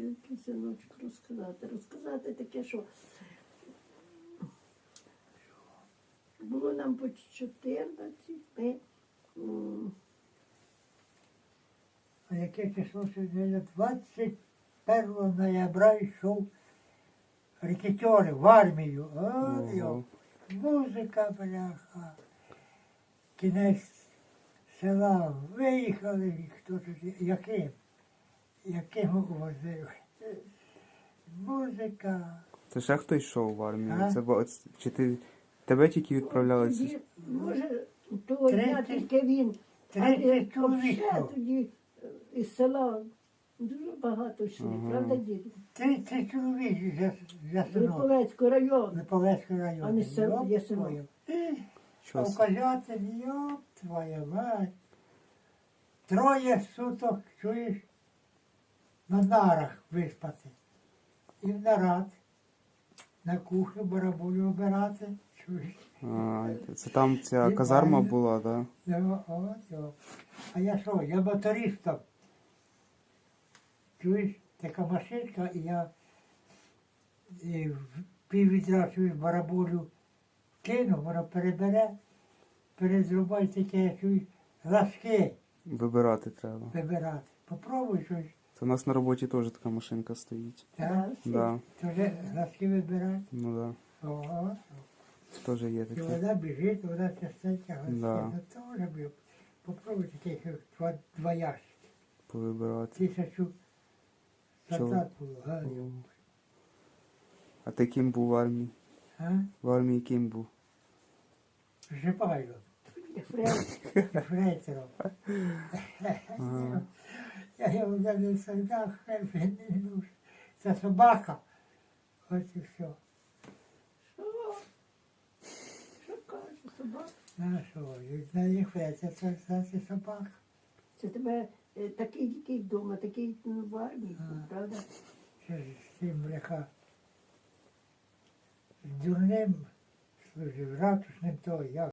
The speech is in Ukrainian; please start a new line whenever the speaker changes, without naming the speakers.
тільки, синочку, розказати. Розказати таке, що було нам по 14, ми
А яке число сьогодні? 21 ноября йшов рекетери в армію. От йо. Музика, бляха. Кінець села виїхали, хто тоді, яким возив. Музика.
Це ще хто йшов в армію?
А?
Чи тебе тільки відправляли?
тоді, може, того дня
30
тільки він,
30 чоловік
ще
йшло.
тоді із села дуже багато йшли,
Ага.
правда, діду?
30 чоловік за село.
Липовецький район,
Липовецький район.
а не село, є село.
твою.
Що
А вказатель, йоп, твоя мать. 3 суток, чуєш, на нарах виспати. І в нарад. На кухню барабулю обирати, чуєш.
Це там ця
І
казарма
правильно.
була, так?
Ну, от, йоп. А я що, я мотористом. Чуєш, така машинка, і я в піввідра, чуєш, барабулю кину, воно перебере, перезрубай таке, чуєш, ласки
Вибирати треба.
вибирати. Попробуй щось.
Це у нас на роботі теж така машинка стоїть.
Так?
Да.
То вже ласки вибирати.
Ну да.
Ого.
Це теж є
І
таке.
вона біжить, вона частенько ласки.
Да.
Ну теж бив. Попробуй таких два ящики.
Повибирати.
1000 солдат було, га, йо.
А ти ким був в армії?
А?
В армії ким був?
Жипайло.
Фред,
Фрейтером.
Ага.
Я його не солдат, він не нужен. Це собака. Ось і все.
що каже собака?
На що? На їх фрейтер, це собака.
Це тебе такий дикий вдома, такий в армії, правда?
Ще ж з цим бляха. З дурним служив, ратушним то, як